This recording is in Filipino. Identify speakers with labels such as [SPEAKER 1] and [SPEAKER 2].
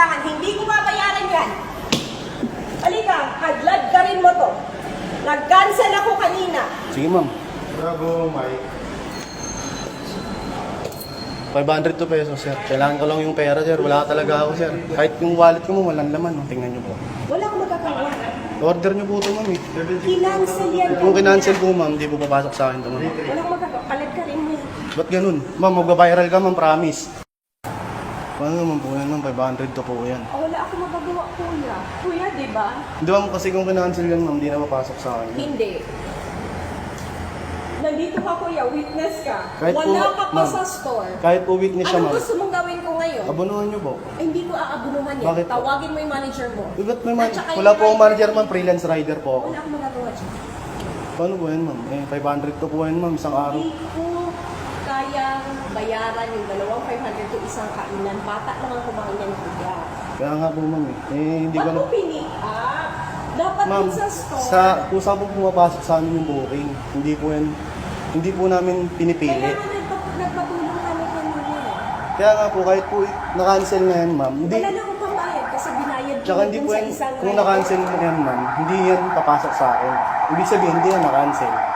[SPEAKER 1] pangangailangan. Hindi ko babayaran yan. Halika, hadlad ka rin mo to. Nag-cancel ako kanina.
[SPEAKER 2] Sige, ma'am.
[SPEAKER 3] Bravo, Mike.
[SPEAKER 2] 502 pesos, sir. Kailangan ko lang yung pera, sir. Wala talaga ako, sir. Kahit yung wallet ko mo, walang laman. Oh. Tingnan niyo po.
[SPEAKER 1] Wala akong magagawa.
[SPEAKER 2] Order niyo po ito, ma'am. Eh.
[SPEAKER 1] Kinancel yan.
[SPEAKER 2] Kung kinancel po, ma'am, hindi po papasok sa akin ito, ma'am.
[SPEAKER 1] Wala akong magagawa. Palit ka rin mo.
[SPEAKER 2] Ba't ganun? Ma'am, magbabiral ka, ma'am, promise. Paano naman po yan, ma'am? 502 po yan.
[SPEAKER 1] Wala akong magagawa, kuya. Kuya, di ba?
[SPEAKER 2] Hindi, ma'am, kasi kung kinancel yan, ma'am, hindi na papasok sa akin.
[SPEAKER 1] Hindi. Nandito ka, kuya. Witness ka.
[SPEAKER 2] Kahit
[SPEAKER 1] Wala
[SPEAKER 2] po,
[SPEAKER 1] ka pa
[SPEAKER 2] ma'am,
[SPEAKER 1] sa store.
[SPEAKER 2] Kahit po witness siya,
[SPEAKER 1] Anong
[SPEAKER 2] ma'am.
[SPEAKER 1] gusto mong gawin ko ngayon?
[SPEAKER 2] Abunuhan niyo po.
[SPEAKER 1] Ay, hindi ko aabunuhan yan.
[SPEAKER 2] Bakit po?
[SPEAKER 1] Tawagin mo yung manager mo.
[SPEAKER 2] Ba't may
[SPEAKER 1] At saka
[SPEAKER 2] wala
[SPEAKER 1] yung
[SPEAKER 2] po akong
[SPEAKER 1] driver
[SPEAKER 2] manager,
[SPEAKER 1] mo.
[SPEAKER 2] ma'am. Freelance rider po ako.
[SPEAKER 1] Wala akong magagawa dyan.
[SPEAKER 2] Paano po yan, ma'am? Eh, 500 po yan, ma'am. Isang araw.
[SPEAKER 1] Hindi ko kayang bayaran yung 2,500 to isang kainan. Bata lang ang kumain yan, kuya.
[SPEAKER 2] Kaya nga po, ma'am. Eh, hindi ko
[SPEAKER 1] Ba't
[SPEAKER 2] na...
[SPEAKER 1] mo pinick up? Dapat
[SPEAKER 2] Ma'am,
[SPEAKER 1] dun sa store.
[SPEAKER 2] kung saan po pumapasok sa amin yung booking, hindi po namin pinipili.
[SPEAKER 1] Kaya nga nagpatulong kami kanina.
[SPEAKER 2] Kaya nga po, kahit po na-cancel na yan, ma'am, hindi,
[SPEAKER 1] Wala na akong pambayad kasi binayad ko
[SPEAKER 2] tsaka hindi
[SPEAKER 1] dun
[SPEAKER 2] po
[SPEAKER 1] sa
[SPEAKER 2] yan,
[SPEAKER 1] isang
[SPEAKER 2] kung
[SPEAKER 1] rider.
[SPEAKER 2] na-cancel na yan, ma'am, hindi yan papasok sa akin. Ibig sabihin, hindi yan na-cancel.